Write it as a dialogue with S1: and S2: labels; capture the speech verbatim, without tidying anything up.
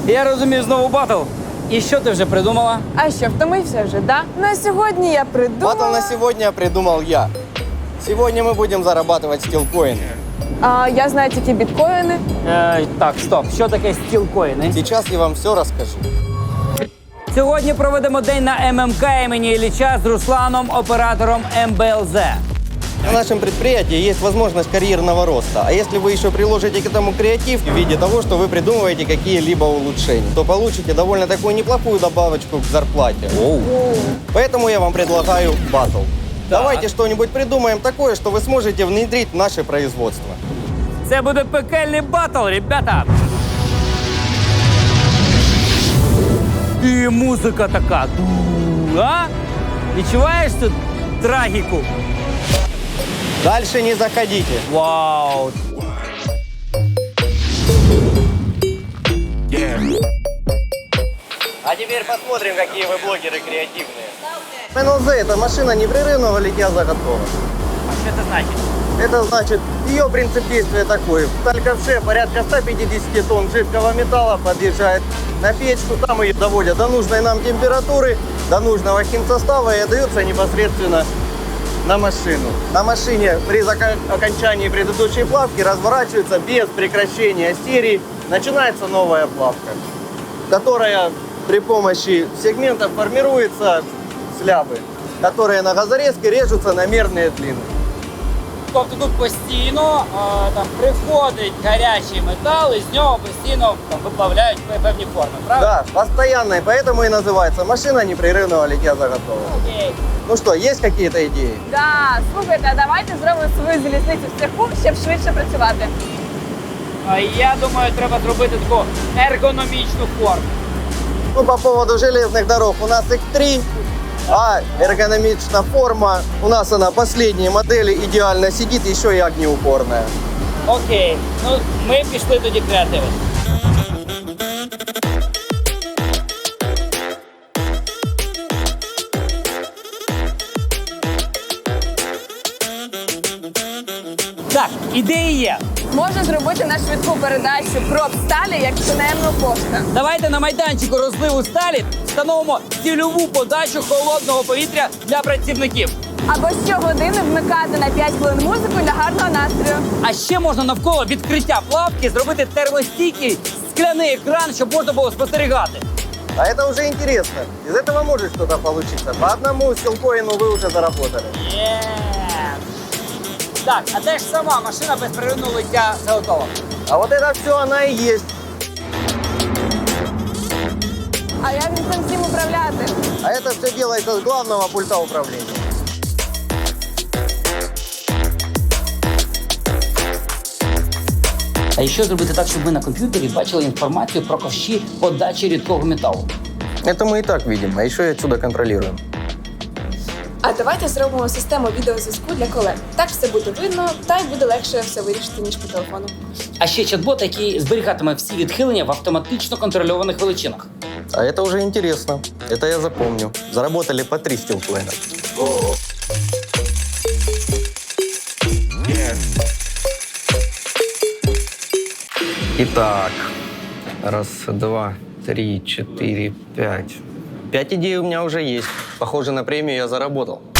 S1: Я розумію, знову батл. І що ти вже придумала?
S2: А що, втомився вже, да? На сьогодні я придумала...
S3: Батл на сегодня придумал я. Сегодня мы будем зарабатывать стилкоины.
S2: А, я знаю тільки біткоїни.
S1: Е, так, стоп. Що таке стілкоїни?
S3: Сейчас я вам все расскажу.
S1: Сьогодні проведемо день на ем ем ка імені Ілліча з Русланом, оператором ем бе ел зет.
S3: На нашем предприятии есть возможность карьерного роста. А если вы еще приложите к этому креатив в виде того, что вы придумываете какие-либо улучшения, то получите довольно такую неплохую добавочку к зарплате.
S1: Оу.
S3: Поэтому я вам предлагаю батл. Давайте что-нибудь придумаем такое, что вы сможете внедрить в наше производство.
S1: Це буде пекельний батл, ребята. І музика така. Ду, а? Відчуваєш тут трагіку?
S3: Дальше не заходите.
S1: Вау.
S3: А теперь посмотрим, какие вы блогеры креативные. эм эл зет – это машина непрерывного литья заготовок.
S1: А що це значить?
S3: Это значит, ее принцип действия такой. В Тальковше порядка ста пятидесяти тонн жидкого металла подъезжает на печку. Там ее доводят до нужной нам температуры, до нужного химсостава и отдается непосредственно на машину. На машине при зака- окончании предыдущей плавки разворачивается без прекращения серии. Начинается новая плавка, которая при помощи сегментов формируется слябы, которые на газорезке режутся на мерные длины.
S1: Тобто тут постійно а, там приходить гарячий метал, і з нього постійно там, виплавляють певні форми, правда?
S3: Да, постоянной, поэтому и называется машина непрерывного литья заготовок.
S1: Окей.
S3: Ну что, есть какие-то идеи?
S2: Да, слухайте, а давайте зробимо свою залізницю в цеху, щоб швидше працювати.
S1: А я думаю, треба зробити таку ергономічну форму.
S3: Ну, по поводу железных дорог, у нас их три, а эргономичная форма, у нас она последние модели, идеально сидит, еще и огнеупорная.
S1: Окей. Ну, ми пішли тоді креативити. Так, ідеї є.
S2: Можна зробити на швидку передачу проб сталі, як тунельну пошта.
S1: Давайте на майданчику розливу сталі встановимо цільову подачу холодного повітря для працівників.
S2: Або щогодини вмикати на п'ять хвилин музику для гарного настрою.
S1: А ще можна навколо відкриття плавки зробити термостійкий скляний екран, щоб можна було спостерігати.
S3: А это уже интересно. Из этого может что-то получиться. По одному стилкоину вы уже заработали.
S1: Є. Так, а де ж сама машина безперервного лиття заготовок?
S3: А вот это все она и есть.
S2: А як же цим всім управляти?
S3: А это все делается с главного пульта управления.
S1: А ще зробити так, щоб ми на комп'ютері бачили інформацію про ковші подачі рідкого металу.
S3: Это мы и так видим, а еще и отсюда контролируем.
S2: А давайте зробимо систему відеозв'язку для колег. Так все буде видно, та й буде легше все вирішити, ніж по телефону.
S1: А ще чат-бот, який зберігатиме всі відхилення в автоматично контрольованих величинах.
S3: А это уже интересно. Это я запомню. Заработали по три стилкоина. Итак, раз, два, три, четыре, пять. Пять идей у меня уже есть. Похоже, на премию я заработал.